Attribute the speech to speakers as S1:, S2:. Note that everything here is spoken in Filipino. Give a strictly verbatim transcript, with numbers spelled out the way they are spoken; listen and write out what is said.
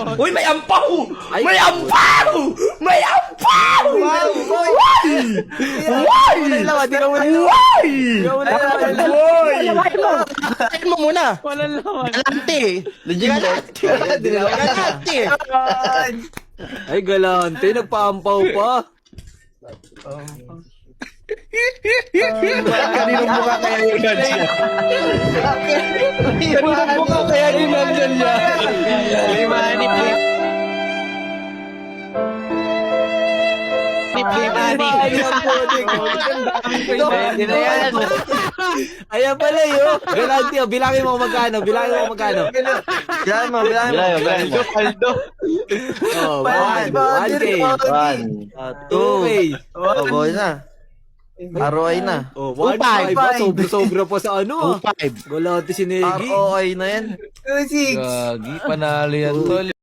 S1: Uy, may ampaw! May ampaw! May ampaw!
S2: Wow!
S1: Uy!
S2: Why? Wala di ka muna.
S1: Uy!
S2: Wala
S1: Uy! Tain mo muna.
S3: Walang laman.
S1: Galante. Galante. Galante.
S2: Ay, galante. Nagpaampaw pa.
S1: Kaninong mukha kaya yung nandyan? Kaninong mukha kaya yung nandyan niya?
S3: Limani, play. Play money.
S2: Hindi na yan. Ayan pala yun. Galante. oh. Bilangin mo magkano. Bilangin mo magkano.
S1: Bilangin mo, bilangin mo.
S4: Bilangin mo.
S3: Paldo.
S2: Oh, one. One K.
S1: One.
S2: Two K.
S1: Oh, boy na. R O I na.
S2: Oh, one
S1: Five.
S2: five. ah. Sobra-sobra pa sa ano. ah.
S1: Five.
S2: Galante si Negi.
S1: R O I na yan.
S2: Gagi, panalo yan, tol.